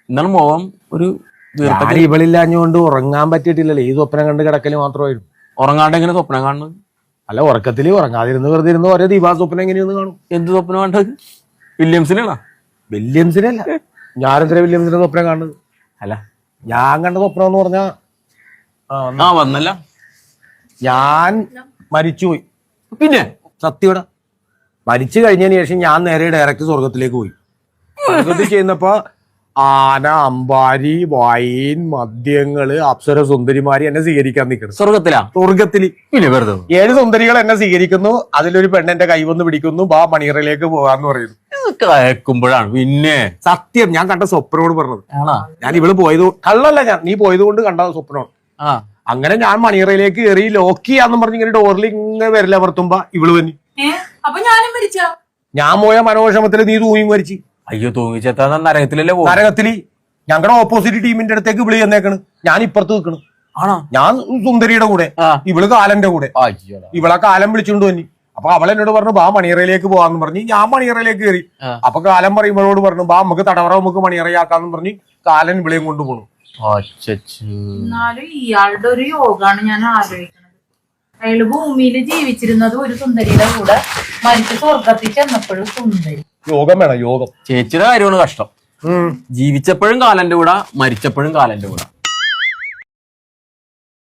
എന്താണ് മോഹം ഒരു ഇവളില്ലാഞ്ഞുകൊണ്ട് ഉറങ്ങാൻ പറ്റിയിട്ടില്ലല്ലോ. ഈ സ്വപ്നം കണ്ട് കിടക്കല് മാത്രമായിരുന്നു. ഉറങ്ങാണ്ട് എങ്ങനെ സ്വപ്നം കാണുന്നത്? അല്ല, ഉറക്കത്തില് ഉറങ്ങാതിരുന്ന് വെറുതെ ഇരുന്ന് ഓരോ ദിവാ സ്വപ്നം എങ്ങനെയൊന്ന് കാണും. എന്ത് സ്വപ്നം കണ്ടത്? വില്യംസിനാണോ? വില്യംസിനല്ല, ഞാനെന്തിനാ വില്യംസിന്റെ സ്വപ്നം കാണുന്നത്? അല്ല, ഞാൻ കണ്ട സ്വപ്നം എന്ന് പറഞ്ഞാ വന്നല്ല, ഞാൻ മരിച്ചുപോയി. പിന്നെ സത്യയുടെ മരിച്ചു കഴിഞ്ഞതിന് ശേഷം ഞാൻ നേരെ ഡയറക്റ്റ് സ്വർഗത്തിലേക്ക് പോയി. സ്വർഗത്തിൽ ചെയ്യുന്നപ്പോ ആന, അമ്പാരി, വൈൻ, മദ്യങ്ങള്, അപ്സര സുന്ദരിമാരി എന്നെ സ്വീകരിക്കാൻ നിൽക്കണം. സ്വർഗത്തില് പിന്നെ വെറുതെ 7 സുന്ദരികൾ എന്നെ സ്വീകരിക്കുന്നു. അതിലൊരു പെണ്ണെന്റെ കൈ വന്ന് പിടിക്കുന്നു. ബാ മണിയറയിലേക്ക് പോകാന്ന് പറയുന്നു. കേൾക്കുമ്പോഴാണ് പിന്നെ സത്യം ഞാൻ കണ്ട സ്വപ്നോട് പറഞ്ഞത്. ഞാൻ ഇവള് പോയത് കള്ളല്ല, നീ പോയത് കൊണ്ട് കണ്ട സ്വപ്നമാണ്. അങ്ങനെ ഞാൻ മണിയറയിലേക്ക് കയറി ലോക്ക് ചെയ്യാന്നും പറഞ്ഞ് ഇങ്ങനെ ഡോറിൽ ഇങ്ങനെ വരില്ല അമർത്തുമ്പോ ഇവള് വന്നി. ഞാൻ പോയ മനോക്ഷമത്തില് നീ തൂങ്ങി മരിച്ചു. അയ്യോ, തൂങ്ങിച്ചെത്താ നരകത്തിലല്ലേ? നരകത്തില് ഞങ്ങളുടെ ഓപ്പോസിറ്റ് ടീമിന്റെ അടുത്തേക്ക് വിളി ചെന്നേക്കണ്. ഞാൻ ഇപ്പുറത്ത് നിൽക്കണ്. ഞാൻ സുന്ദരിയുടെ കൂടെ, ഇവള് കാലന്റെ കൂടെ. ഇവളെ കാലം വിളിച്ചുകൊണ്ട് വന്നി. അപ്പൊ അവൾ എന്നോട് പറഞ്ഞു ബാ മണിയറയിലേക്ക് പോവാന്ന് പറഞ്ഞ് ഞാൻ മണിയറയിലേക്ക് കയറി. അപ്പൊ കാലം പറയുമ്പോഴോട് പറഞ്ഞു ബാ നമുക്ക് തടവറ നമുക്ക് മണിയറയാക്കാന്ന് പറഞ്ഞ് കാലൻ വിളിയും കൊണ്ടുപോണു. എന്നാലും ഇയാളുടെ ഒരു യോഗാണ് ഞാൻ ആലോചിക്കുന്നത്. അയാള് ഭൂമിയിൽ ജീവിച്ചിരുന്നത് ഒരു സുന്ദരിയുടെ കൂടെ, മരിച്ച സ്വർഗത്തിൽ ചെന്നപ്പോഴും സുന്ദരി. യോഗം വേണം, യോഗം. ചേച്ചിയുടെ കാര്യമാണ് കഷ്ടം. ജീവിച്ചപ്പോഴും കാലന്റെ കൂടെ, മരിച്ചപ്പോഴും കാലന്റെ കൂടെ.